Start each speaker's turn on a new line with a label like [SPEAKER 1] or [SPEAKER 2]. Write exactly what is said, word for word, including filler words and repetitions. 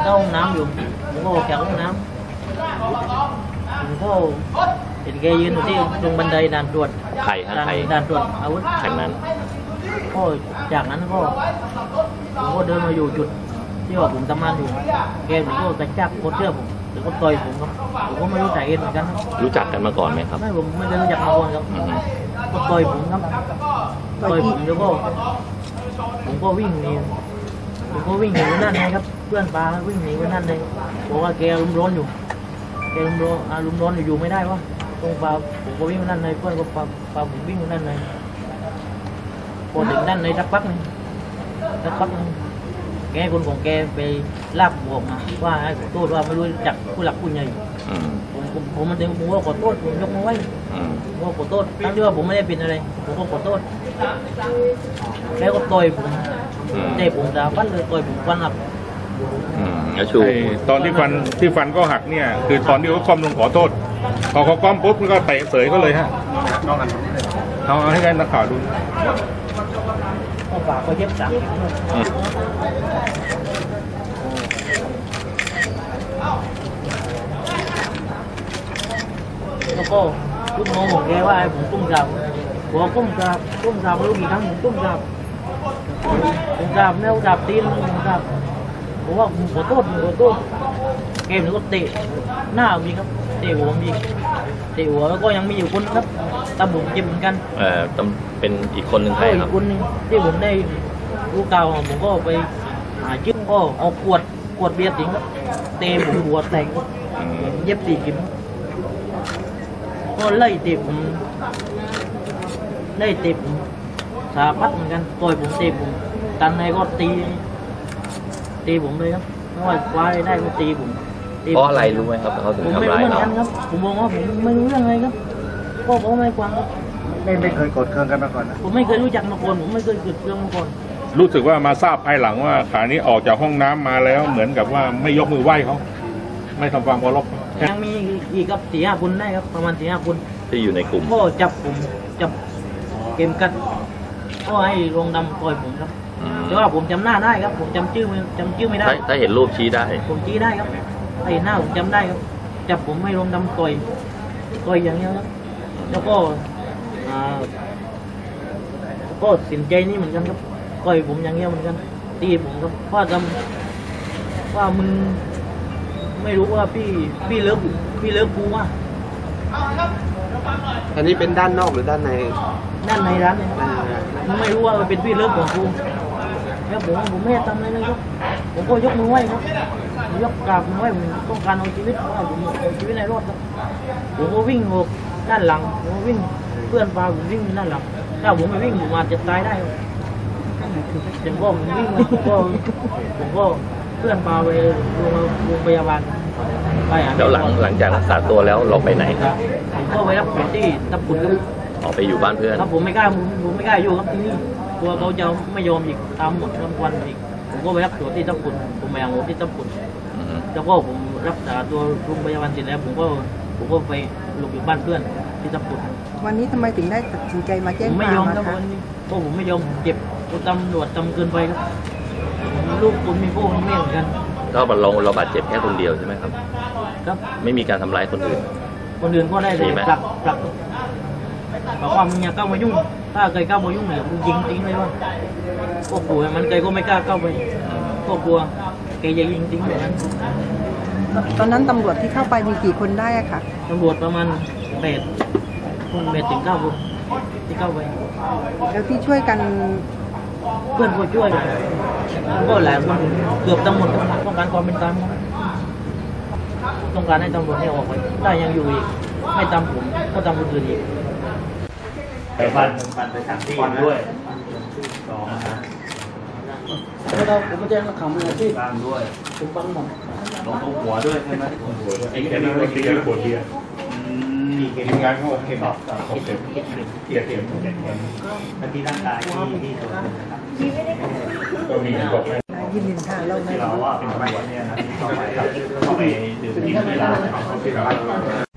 [SPEAKER 1] เข้าห้องน้ำอยู่ผมก็ออกจากห้องน้ำผมก็เห็นแกยืนอยู่ที่ตรงบันไดด่านตรวจ
[SPEAKER 2] ใครฮะใคร
[SPEAKER 1] ด่านตรวจอาวุธ
[SPEAKER 2] ใครนั้น
[SPEAKER 1] ก็จากนั้นก็ผมก็เดินมาอยู่จุดที่ว่าผมทำงานอยู่แกผมก็กระชากโคตรเชื่อผมหรือก็ต่อยผมครับผมก็ไม่รู้สาเหตุเหมือนกัน
[SPEAKER 2] รู้จักกันมาก่อนไหมครับ
[SPEAKER 1] ไม่ผมไม่ได้รู้จักมาก่อนครับก็ต่อยผมครับต่อยผมแล้วก็ผมก็วิ่งหนีผมก็วิ่งหนีไปนั่นเลยครับเพื่อนปลาวิ่งหนีไปนั่นเลยบอกว่าแกรุมร้อนอยู่แกรุมร้อนอารมณ์ร้อนอยู่ไม่ได้วะตรงปลาผมก็วิ่งไปนั่นเลยเพื่อนก็ปลาปลาผมวิ่งไปนั่นเลยพอถึงนั่นเลยสักพักนึงสักพักนึงแกคนของแกไปลากบวกมาว่าให้ขอโทษว่าไม่รู้จักผู้หลักผู้ใหญ่ผมผมผมมันเองผมก็ขอโทษผมยกมือไหว้ผมก็ขอโทษทั้งที่ว่าผมไม่ได้ผิดอะไรผมก็ขอโทษแล้วก็ต่อยผมเตะผมดาฟันเลยต่อยผมฟันหัก
[SPEAKER 3] ตอนที่ฟันที่ฟันก็หักเนี่ยคือตอนที่เขาก้มลงขอโทษพอเขาก้มปุ๊บก็เตะเสยก็เลยฮะเอาให้กันนักข่าวดู
[SPEAKER 1] ก็ปากก็เย็บสามแล้วก็ลูกน้องของแกว่าผมตุ้มกราบผมก้มกราบก้มกราบไม่รู้กี่ครั้งผมตุ้มกราบผมกราบแล้วกราบตีนผมกราบผมว่าผมขอโทษผมขอโทษเกมนี้ก็เตะหน้ามีครับเตะหัวมีเตะหัวแล้วก็ยังมีอยู่คนครับตาบุ๋มเจ็บเหมือนกัน
[SPEAKER 2] เออเป็นอีกคนหนึ่งใครครับ
[SPEAKER 1] อีกคนนึงที่ผมได้รู้ข่าวผมก็ไปหาชื่อก็เอาขวดขวดเบียร์ติ๋งเตะผมหัวแตกเย็บสี่เข็มก็ไล่เตะผมไล่เตะผมสาพัดเหมือนกันต่อยผมเตะผมตันในก็ตีตีผมเลยครับไม่ว่าคว้าได้ก็ตีผม
[SPEAKER 2] เพราะอะไรรู้ไหมครับเขาถึงทำร้ายเรา
[SPEAKER 1] ผมมองว่าผมไม่รู้เรื่องอะไรครับพ่อเขาไม่ฟังครับ
[SPEAKER 4] ไม่ไม่เคยกดเครื่องกันมาก่อนนะ
[SPEAKER 1] ผมไม่เคยรู้จักมาก่อนผมไม่เคยเกิดเรื่องมาก่อน
[SPEAKER 3] รู้สึกว่ามาทราบภายหลังว่าขานี้ออกจากห้องน้ำมาแล้วเหมือนกับว่าไม่ยกมือไหว้เขาไม่ทำความเคารพ
[SPEAKER 1] ยังมีอีกครับสี่ห้าคนได้ครับประมาณสี่ห้าคน
[SPEAKER 2] ที่อยู่ในกลุ่ม
[SPEAKER 1] ก็จับผมจับเกมกันก็ให้ลงดำปล่อยผมครับแต่ว่าผมจำหน้าได้ครับผมจำชื่อจำชื่อไม่ได้
[SPEAKER 2] ถ้าเห็นรูปชี้ได้
[SPEAKER 1] ผมชี้ได้ครับไอ้หน้าผมจำได้ครับจับผมไม่ลงดำต่อยต่อยอย่างนี้ครับแล้วก็อ่าก็สินใจนี่เหมือนกันครับต่อยผมอย่างเงี้ยเหมือนกันตีผมครับว่าจำว่ามึงไม่รู้ว่าพี่พี่เลิกพี่เลิกกูว่า
[SPEAKER 4] อันนี้เป็นด้านนอกหรือด้านใน
[SPEAKER 1] ด้านในร้านเนี่ยมึงไม่รู้ว่ามันเป็นพี่เลิกของกูแล้วผมผมไม่ทำอะไรเลยครับผมก็ยกมือไหว้ครับยกกราบมือไหว้ผมต้องการเอาชีวิตว่าผมเอาชีวิตในรอดครับผมก็วิ่งออกด้านหลังผมก็วิ่งเพื่อนพาผมวิ่งด้านหลังถ้าผมไม่วิ่งผมอาจจะตายได้อย่างก็ผมวิ่งก็ผมก็เพื่อนพาไปโรงพยาบาลไป
[SPEAKER 2] แล้วหลังหลังจากรักษาตัวแล้วเราไปไหนครับ
[SPEAKER 1] ผมก็ไปรับผลที่ทับปุนครับ
[SPEAKER 2] ออกไปอยู่บ้านเพื่อน
[SPEAKER 1] ครับผมไม่กล้าผมไม่กล้าอยู่ครับที่นี่ตัวเขาจะไม่ยอมอีกตามหมดรางวัลอีกผมก็ไปรับตัวที่ทับปุนผมไปเอาที่ทับปุนแล้วก็ผมรักษาตัวโรงพยาบาลเสร็จแล้วผมก็ผมก็ไปหลบอยู่บ้านเพื่อนที่ทับปุน
[SPEAKER 5] วันนี้ทำไมถึงได้ตัดสินใจมาแจ้งความ
[SPEAKER 1] ผมไม่ยอมครับวันนี้เพราะผมไม่ยอมเจ็บตำรวจทำเกินไปครับลูกผมมีพ่อมีแม่เหมือนกัน
[SPEAKER 2] ก็เราเราบาดเจ็บแค่คนเดียวใช่ไหมครับ
[SPEAKER 1] ครับ
[SPEAKER 2] ไม่มีการทำร้ายคนอื่น
[SPEAKER 1] คนอื่นก็ได้เลยผลักผลักบอกว่ามึงอย่าเข้ามายุ่งถ้าเคยเข้ามายุ่งเนี่ยมึงยิงทิ้งเลยว่าก็กลัวมันเคยก็ไม่กล้าเข้าไปก็กลัวแกจะยิงทิ้งแบบนั้น
[SPEAKER 5] ตอนนั้นตำรวจที่เข้าไปมีกี่คนได้อะคะ
[SPEAKER 1] ตำรวจประมาณแปดคนแปดถึงเก้าคนที่เข้าไป
[SPEAKER 5] แล้วที่ช่วยกัน
[SPEAKER 1] เพื่อนก็ช่วยก็หลายคนเกือบทั้งหมดต้องการความเป็นธรรมต้องการให้ตำรวจให้ออกไปถ้ายังอยู่อีกไม่ตามผมก็ตามคนอื่นอีก
[SPEAKER 6] ไปฟันฟันไปสามที่ด้วยสองนะ
[SPEAKER 1] แล้วเราผมก็แจ้งข่าวมืออาชีพ
[SPEAKER 6] บ้างด้วย
[SPEAKER 1] ผมบังหมด
[SPEAKER 6] ลงตรงหัวด้วยใช่ไหมตรงหัวด้วยไอ้แค่นี้ก็ตีปวดเดียวมีเกมงานเขาโอเคตอบตอบเก็บเก็บเก็บเก็บเก็บเก็บแล้วที่ร่างกายที่ที่ตัวนะครับก็มีบอก
[SPEAKER 5] ยินดีค่ะเรา
[SPEAKER 6] เราว่าเป็นตำรวจเนี่ยนะที่ต้องไปต้องไปดื่มกินเวลา